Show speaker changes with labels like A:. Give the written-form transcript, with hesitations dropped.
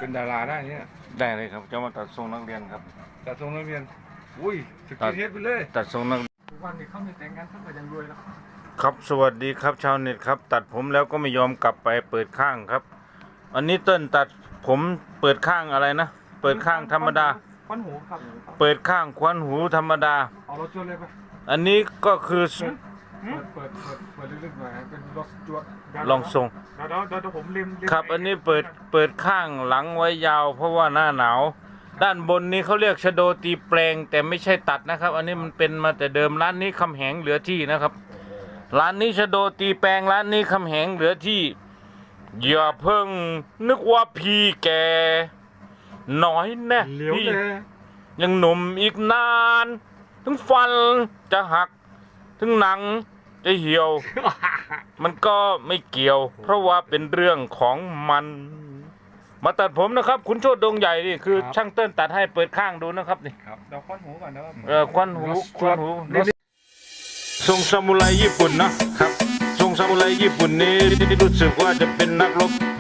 A: เป็นดาราได้เนี่ย
B: ได้เลยครับจะมาตัดทรงนักเรียนครับ
A: ตัดทรงนักเรียนอุ้ยสกินเฮดไปเลย
B: ตัดทรงนัก
A: ทุกวันนี้เขามีแต่งงานเขาก็ยังรวยแล้ว
B: ครับสวัสดีครับชาวเน็ตครับตัดผมแล้วก็ไม่ยอมกลับไปเปิดข้างครับอันนี้เติ้ลตัดผมเปิดข้างอะไรนะเปิดข้างธรรมดา
A: ควันหูครับ
B: เปิดข้างควันหูธรรมดา
A: เอารถจวดเลยปะ
B: อันนี้ก็คือ
A: เปิดลึกๆหน่อยเป็นรถจวด
B: ลองทรง
A: เดี๋ยวผมริม
B: ครับอันนี้เปิดข้างหลังไว้ยาวเพราะว่าหน้าหนาวด้านบนนี้เขาเรียกชโดตีแปลงแต่ไม่ใช่ตัดนะครับอันนี้มันเป็นมาแต่เดิมร้านนี้คำแหงเหลือที่นะครับร้านนี้ชโดตีแปลงร้านนี้คำแหงเหลือที่อย่าเพิ่งนึกว่าพี่แกน้อยแน่พี่ยังหนุ่มอีกนานถึงฟันจะหักถึงหนังจะเหี่ยว มันก็ไม่เกี่ยวเพราะว่าเป็นเรื่องของมันมาตัดผมนะครับคุณโชติดงใหญ่นี่คือช่างเติ้ลตัดให้เปิดข้างดูนะครับนี่
A: ครับเดี๋ยวควันหูก่อนนะครับ
B: ควันหูทรงซามูไรญี่ปุ่นนะครับทรงซามูไรญี่ปุ่นนี้รู้สึกว่าจะเป็นนักรบ